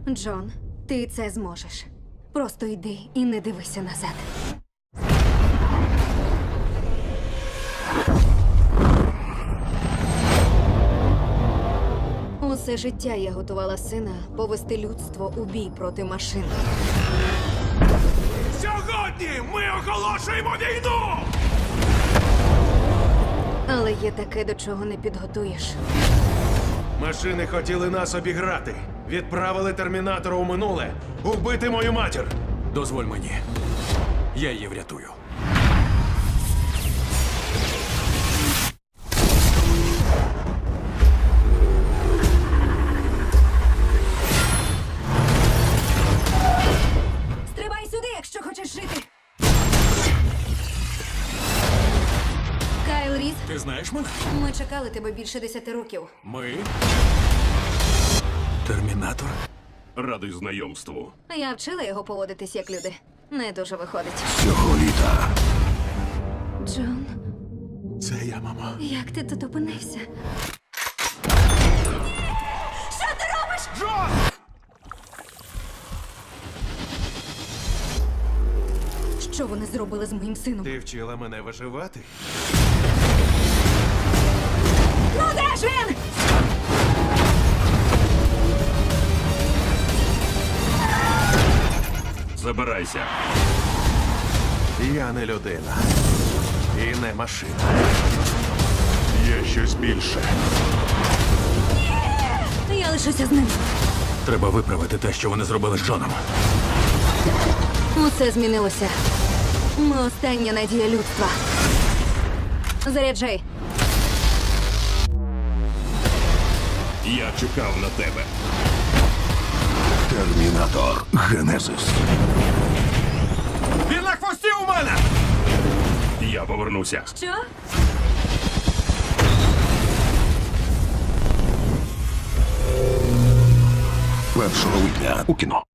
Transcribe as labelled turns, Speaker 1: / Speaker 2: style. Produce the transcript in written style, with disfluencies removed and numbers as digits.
Speaker 1: Джон, ти це зможеш. Просто йди і не дивися назад. Усе життя я готувала сина повести людство у бій проти машин.
Speaker 2: Сьогодні ми оголошуємо війну!
Speaker 1: Але є таке, до чого не підготуєш.
Speaker 2: Машини хотіли нас обіграти. Відправили термінатора у минуле. Убити мою матір.
Speaker 3: Дозволь мені. Я її врятую.
Speaker 1: Стрибай сюди, якщо хочеш жити. Кайл Різ,
Speaker 3: Ти знаєш мене?
Speaker 1: ми чекали тебе більше 10 років.
Speaker 3: Ми. Термінатор.
Speaker 4: Радий знайомству.
Speaker 1: Я вчила його поводитись як люди. Не дуже виходить.
Speaker 4: Цього літа
Speaker 1: Джон,
Speaker 3: Це я, мама.
Speaker 1: як ти тут опинився? Що вони зробили з моїм сином?
Speaker 2: Ти вчила мене виживати?
Speaker 1: Ну де ж він?
Speaker 4: забирайся.
Speaker 2: Я не людина. І не машина.
Speaker 4: Є щось більше.
Speaker 1: Я лишуся з ним.
Speaker 3: Треба виправити те, що вони зробили з Джоном.
Speaker 1: Усе змінилося. Ми остання надія людства. Заряджай.
Speaker 4: Я чекав на тебе.
Speaker 2: Термінатор Генезис.
Speaker 3: Він на хвості у мене!
Speaker 4: Я повернуся.
Speaker 1: Що?
Speaker 2: Першого липня у кіно.